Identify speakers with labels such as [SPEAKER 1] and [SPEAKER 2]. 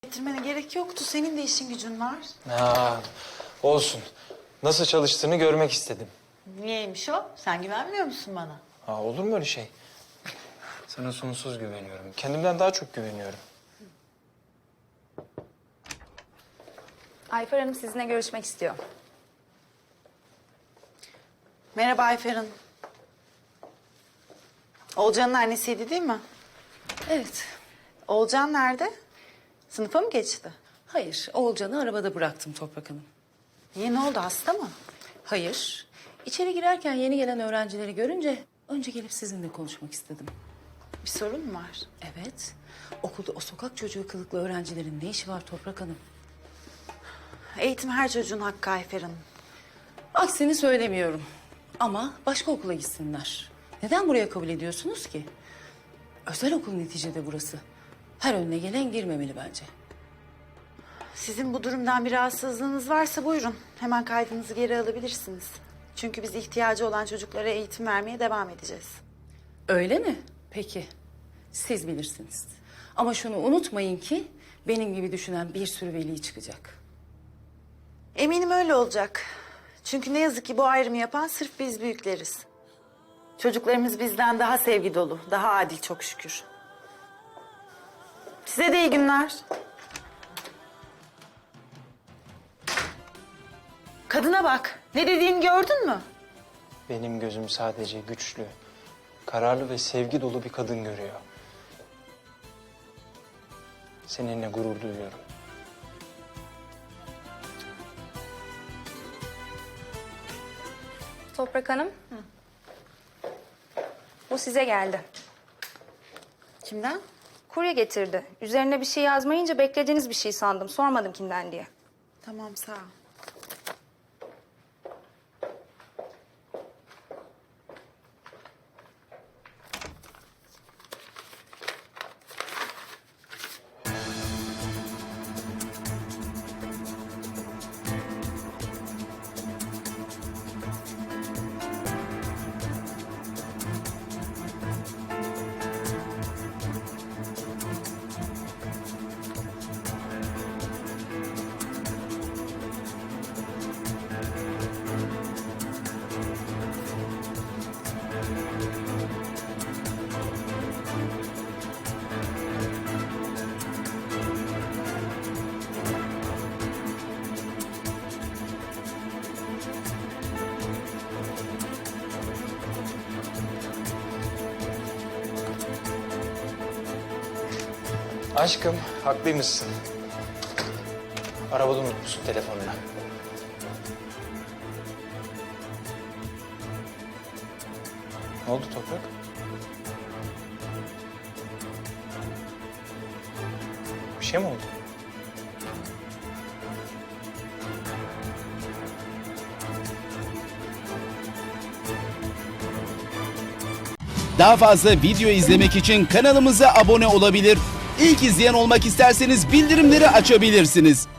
[SPEAKER 1] Getirmene gerek yoktu. Senin de işin gücün var.
[SPEAKER 2] Ha, olsun. Nasıl çalıştığını görmek istedim.
[SPEAKER 1] Niyeymiş o? Sen güvenmiyor musun bana?
[SPEAKER 2] Ha, olur mu öyle şey? Sana sonsuz güveniyorum. Kendimden daha çok güveniyorum.
[SPEAKER 3] Ayfer Hanım sizinle görüşmek istiyor.
[SPEAKER 1] Merhaba Ayfer Hanım. Olcan'ın annesiydi değil mi?
[SPEAKER 3] Evet.
[SPEAKER 1] Olcan nerede? Sınıfa mı geçti?
[SPEAKER 4] Hayır, Oğulcan'ı arabada bıraktım Toprak Hanım.
[SPEAKER 1] Niye, ne oldu, hasta mı?
[SPEAKER 4] Hayır, içeri girerken yeni gelen öğrencileri görünce önce gelip sizinle konuşmak istedim.
[SPEAKER 1] Bir sorun mu var?
[SPEAKER 4] Evet, okulda o sokak çocuğu kılıklı öğrencilerin ne işi var Toprak Hanım?
[SPEAKER 1] Eğitim her çocuğun hakkı Ayfer Hanım.
[SPEAKER 4] Aksini söylemiyorum ama başka okula gitsinler. Neden buraya kabul ediyorsunuz ki? Özel okul neticede burası. Her önüne gelen girmemeli bence.
[SPEAKER 1] Sizin bu durumdan bir rahatsızlığınız varsa buyurun. Hemen kaydınızı geri alabilirsiniz. Çünkü biz ihtiyacı olan çocuklara eğitim vermeye devam edeceğiz.
[SPEAKER 4] Öyle mi? Peki, siz bilirsiniz. Ama şunu unutmayın ki benim gibi düşünen bir sürü veli çıkacak.
[SPEAKER 1] Eminim öyle olacak. Çünkü ne yazık ki bu ayrımı yapan sırf biz büyükleriz. Çocuklarımız bizden daha sevgi dolu, daha adil çok şükür. Size de iyi günler. Kadına bak. Ne dediğini gördün mü?
[SPEAKER 2] Benim gözüm sadece güçlü, kararlı ve sevgi dolu bir kadın görüyor. Seninle gurur duyuyorum.
[SPEAKER 3] Toprak Hanım. Bu size geldi.
[SPEAKER 1] Kimden?
[SPEAKER 3] Kurye getirdi. Üzerine bir şey yazmayınca beklediğiniz bir şey sandım. Sormadım kimden diye.
[SPEAKER 1] Tamam, sağ ol.
[SPEAKER 2] Aşkım, haklıymışsın. Arabada unutmuşsun telefonunu. Ne oldu Toprak? Bir şey mi oldu?
[SPEAKER 5] Daha fazla video izlemek için kanalımıza abone olabilir. İlk izleyen olmak isterseniz bildirimleri açabilirsiniz.